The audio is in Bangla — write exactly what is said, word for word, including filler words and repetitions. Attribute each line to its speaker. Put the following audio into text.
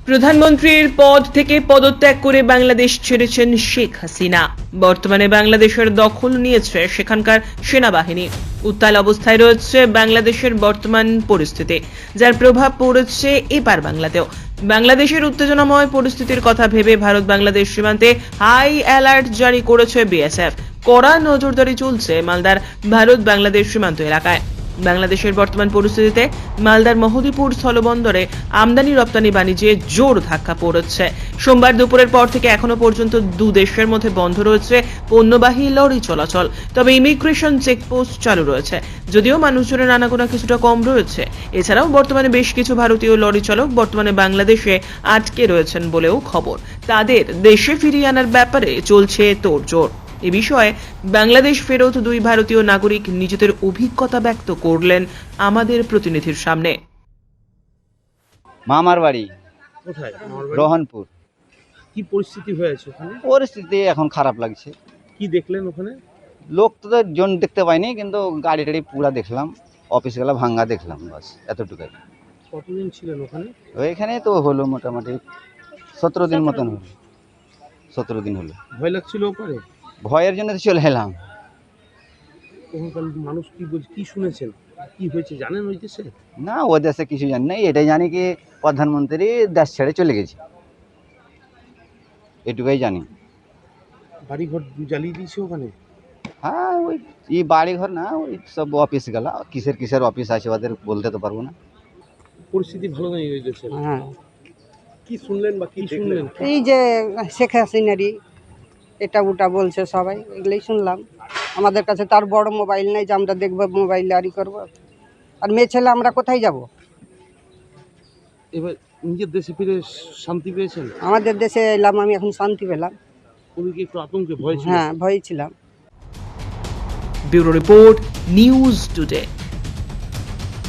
Speaker 1: প্রধানমন্ত্রীর পদ থেকে পদত্যাগ করে বাংলাদেশ ছেড়েছেন শেখ হাসিনা। বর্তমানে বাংলাদেশের দখল নিয়েছে সেখানকার সেনাবাহিনী। উত্তাল অবস্থায় রয়েছে বাংলাদেশের বর্তমান পরিস্থিতি, যার প্রভাব পড়েছে এপার বাংলাতেও। বাংলাদেশের উত্তেজনাময় পরিস্থিতির কথা ভেবে ভারত বাংলাদেশ সীমান্তে হাই অ্যালার্ট জারি করেছে বিএসএফ। কড়া নজরদারি চলছে মালদার ভারত বাংলাদেশ সীমান্ত এলাকায়। বাংলাদেশের বর্তমান পরিস্থিতিতে মালদার মহদীপুর স্থলবন্দরে আমদানি রপ্তানি বাণিজ্যে জোর ধাক্কা পড়েছে। সোমবার দুপুরের পর থেকে এখনো পর্যন্ত দু দেশের মধ্যে বন্ধ রয়েছে পণ্যবাহী লরি চলাচল। তবে ইমিগ্রেশন চেকপোস্ট চালু রয়েছে, যদিও মানুষজনের আনাগোনা কিছুটা কম রয়েছে। এছাড়াও বর্তমানে বেশ কিছু ভারতীয় লরি চালক বর্তমানে বাংলাদেশে আটকে রয়েছেন বলেও খবর। তাদের দেশে ফিরিয়ে আনার ব্যাপারে চলছে তোড়জোড়। এ বিষয়ে বাংলাদেশ ফেরত দুই ভারতীয় নাগরিক নিজেদের অভিজ্ঞতা ব্যক্ত করলেন আমাদের প্রতিনিধির সামনে।
Speaker 2: মামার বাড়ি
Speaker 3: কোথায়? মামার বাড়ি?
Speaker 2: রোহনপুর।
Speaker 3: কি পরিস্থিতি হয়েছে ওখানে?
Speaker 2: পরিস্থিতি এখন খারাপ লাগছে।
Speaker 3: কি দেখলেন ওখানে?
Speaker 2: লোক তো জন দেখতে পাইনি, কিন্তু গাড়ি টাড়ি পুরা দেখলাম, অফিস গেলা ভাঙ্গা দেখলাম, বাস এতটুকুই।
Speaker 3: কতদিন ছিলেন ওখানে?
Speaker 2: ওইখানে তো হলো মোটামুটি সতেরো দিন মতন হলো। সতেরো দিন হলো।
Speaker 3: ভয় লাগছিল ওখানে?
Speaker 2: ভয়ের জন্য তো চলে এলাম।
Speaker 3: ওখানকার মানুষ কি বলছে, কি শুনেছেন, কি হয়েছে জানেন ওই দেশে?
Speaker 2: না, ও দেশে কিছু জানি না, এটাই জানি কি প্রধানমন্ত্রী দেশ ছেড়ে চলে গেছে, এটুকুই জানি।
Speaker 3: বাড়িঘর জ্বালিয়ে দিয়েছে ওখানে?
Speaker 2: হ্যাঁ, ওই এই বাড়ি ঘর না, ওই সব অফিস গেলা, কিসের কিসের অফিস আছে ওদের বলতে তো পারবো না।
Speaker 3: পরিস্থিতি ভালো নেই ওই দেশে?
Speaker 4: হ্যাঁ,
Speaker 3: কি শুনলেন বা কি শুনলেন?
Speaker 4: এই যে শেখ হাসিনারই এটা ওটা বলছে সবাই, এগুলোই শুনলাম। আমাদের কাছে তার বড় মোবাইল নেই যে আমরা দেখবো, মোবাইল আরি করবো। আর মেয়ে ছেলে আমরা কোথায় যাব?
Speaker 3: এবার নিজের দেশে ফিরে শান্তি পেয়েছেন?
Speaker 4: আমাদের দেশে এলাম, আমি এখন শান্তি পেলাম।
Speaker 3: ওদিকে একটু আতঙ্কে ভয় ছিল?
Speaker 4: হ্যাঁ, ভয় ছিলাম।
Speaker 1: Bureau report, news today.